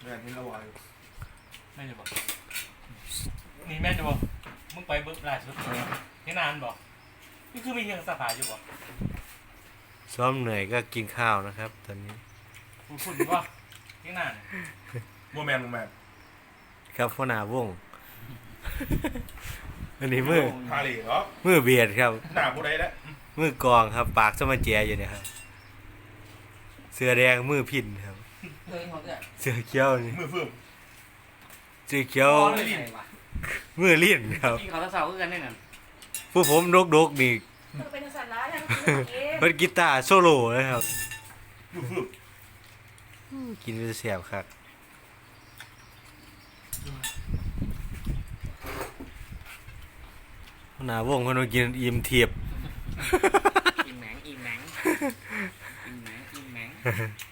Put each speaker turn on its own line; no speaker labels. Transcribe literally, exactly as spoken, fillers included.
แบบนี้ระวัง
แม่นจะบอกนี่แม่นจะบอกมึงไปเบิร์ล่าสุดนี่นานบอกนี่คือมีเพียงสภาอยู่บอก
ซ้อมเหนื่อยก็กินข้าวนะครับ ตอนนี้
คุณคุณว่านี่นาน
โมแมนโมแมน
ครับพ่อหน้าวง อันนี้มือ
พาเหล่เหรอ
มือเบียดครับ
หน้าผู้ใดแล้ว
มือกองครับ ปากสมาแจอยู่เนี่ยครับเสื้อแดงมือพินครับ
เคยเขาเนี่ย
เสื้อเขียวนี่
มือฟื้ม
เสื้อเขียว
ไม่ใช่ว่ะ
มือลิ้นครับ
กินเขาตะเสาคือกันนี่น่ะ
ผู้ผมดกดกๆนี่
ต้องเป็นสัตว์ร้ายทั้งเอง
เป็นกีตาร์โซโล่นะครับ
มือฟื้ม
กินไปเสียบครับหน้าวงคนมากินอิ่มเทียบ
อิ่มแหมงอิ่มแหมงอิ่มแหมงอิ่มแหมง